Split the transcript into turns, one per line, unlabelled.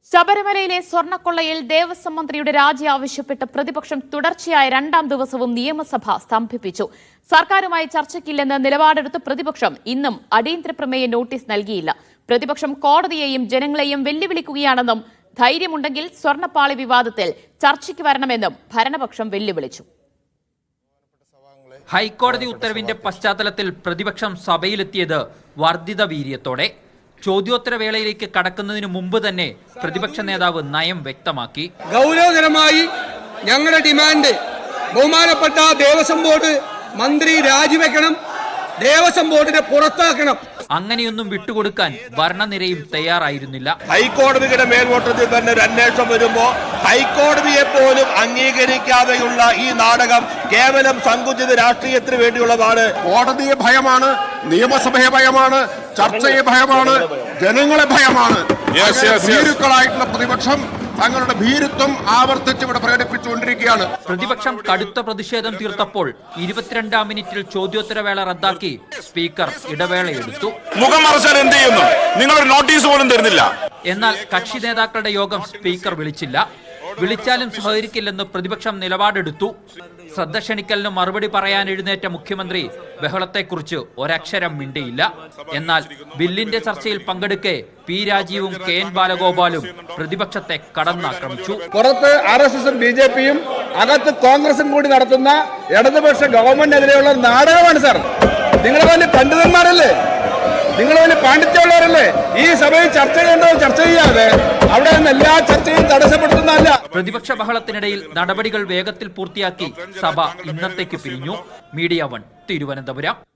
ശബരിമലയിലെ സ്വർണ്ണക്കൊള്ളയിൽ ദേവസ്വം മന്ത്രിയുടെ രാജി ആവശ്യപ്പെട്ട് പ്രതിപക്ഷം തുടർച്ചയായ രണ്ടാം ദിവസവും നിയമസഭ സ്തംഭിപ്പിച്ചു. സർക്കാരുമായി ചർച്ചയ്ക്കില്ലെന്ന് നിലപാടെടുത്ത പ്രതിപക്ഷം ഇന്നും അടിയന്തര പ്രമേയ നോട്ടീസ് നൽകിയില്ല. പ്രതിപക്ഷം കോടതിയെയും ജനങ്ങളെയും വെല്ലുവിളിക്കുകയാണെന്നും ധൈര്യമുണ്ടെങ്കിൽ സ്വർണ്ണപ്പാളി വിവാദത്തിൽ ചർച്ചയ്ക്ക് വരണമെന്നും ഭരണപക്ഷം വെല്ലുവിളിച്ചു.
ഹൈക്കോടതി ഉത്തരവിന്റെ പശ്ചാത്തലത്തിൽ പ്രതിപക്ഷം സഭയിലെത്തിയത് വർദ്ധിത വീര്യത്തോടെ. ചോദ്യോത്തരവേളയിലേക്ക് കടക്കുന്നതിന് മുമ്പ് തന്നെ പ്രതിപക്ഷ നേതാവ് നയം വ്യക്തമാക്കി.
ഗൗരവകരമായി ഞങ്ങളുടെ ഡിമാൻഡ് ബഹുമാനപ്പെട്ട ദേവസ്വം ബോർഡ് മന്ത്രി രാജിവെക്കണം, ദേവസ്വം ബോർഡിനെ പുറത്താക്കണം.
അങ്ങനെയൊന്നും വിട്ടുകൊടുക്കാൻ ഭരണനിരയും തയ്യാറായിരുന്നില്ല.
ഹൈക്കോടതിയുടെ മേൽനോട്ടത്തിൽ തന്നെ ഒരു അന്വേഷണം വരുമ്പോൾ ഹൈക്കോടതിയെ പോലും അംഗീകരിക്കാതെയുള്ള ഈ നാടകം കേവലം സങ്കുചിത രാഷ്ട്രീയത്തിന് വേണ്ടിയുള്ളതാണ്.
കോടതിയെ ഭയമാണ്, നിയമസഭയെ ഭയമാണ്, ചർച്ചയെ ഭയമാണ്, ജനങ്ങളെ ഭയമാണ്. ഭീരുക്കളായിട്ടുള്ള പ്രതിപക്ഷം തങ്ങളുടെ ഭീരുത്വം ആവർത്തിച്ച് ഇവിടെ പ്രകടിപ്പിച്ചുകൊണ്ടിരിക്കുകയാണ്.
പ്രതിപക്ഷം കടുത്ത പ്രതിഷേധം തീർത്തപ്പോൾ 22-ാം മിനിറ്റിൽ ചോദ്യോത്തരവേള റദ്ദാക്കി സ്പീക്കർ ഇടവേളയെടുത്തു.
മുഖം മറച്ചാൽ എന്ത് ചെയ്യുന്നു? നിങ്ങളൊരു നോട്ടീസ് പോലും തരുന്നില്ല.
എന്നാൽ കക്ഷി നേതാക്കളുടെ യോഗം സ്പീക്കർ വിളിച്ചില്ല. വിളിച്ചാലും സഹകരിക്കില്ലെന്ന് പ്രതിപക്ഷം നിലപാടെടുത്തു. ശ്രദ്ധ ക്ഷണിക്കലിന് മറുപടി പറയാൻ എഴുന്നേറ്റ മുഖ്യമന്ത്രി ബഹളത്തെക്കുറിച്ച് ഒരക്ഷരം മിണ്ടിയില്ല. എന്നാൽ ബില്ലിന്റെ ചർച്ചയിൽ പങ്കെടുക്കെ പി രാജീവും കെ എൻ ബാലഗോപാലും പ്രതിപക്ഷത്തെ കടന്നാക്രമിച്ചു.
പുറത്ത് RSSും BJPയും അകത്ത് കോൺഗ്രസും കൂടി നടത്തുന്ന ഇടതുപക്ഷ ഗവൺമെന്റിനെതിരെയുള്ള നാടകമാണ് സാർ. നിങ്ങൾ വലിയ പണ്ഡിതന്മാരല്ലേ, നിങ്ങൾ വലിയ പാണ്ഡിത്യമുള്ളവരല്ലേ? ഈ സഭയിൽ ചർച്ച ചെയ്യേണ്ടത് ചർച്ച ചെയ്യാതെ അവിടെ നിന്ന് എല്ലാ ചർച്ചയും തടസ്സപ്പെടുത്തുന്നതല്ല.
പ്രതിപക്ഷ ബഹളത്തിനിടയിൽ നടപടികൾ വേഗത്തിൽ പൂർത്തിയാക്കി സഭ ഇന്നത്തേക്ക് പിരിഞ്ഞു. മീഡിയ 1 തിരുവനന്തപുരം.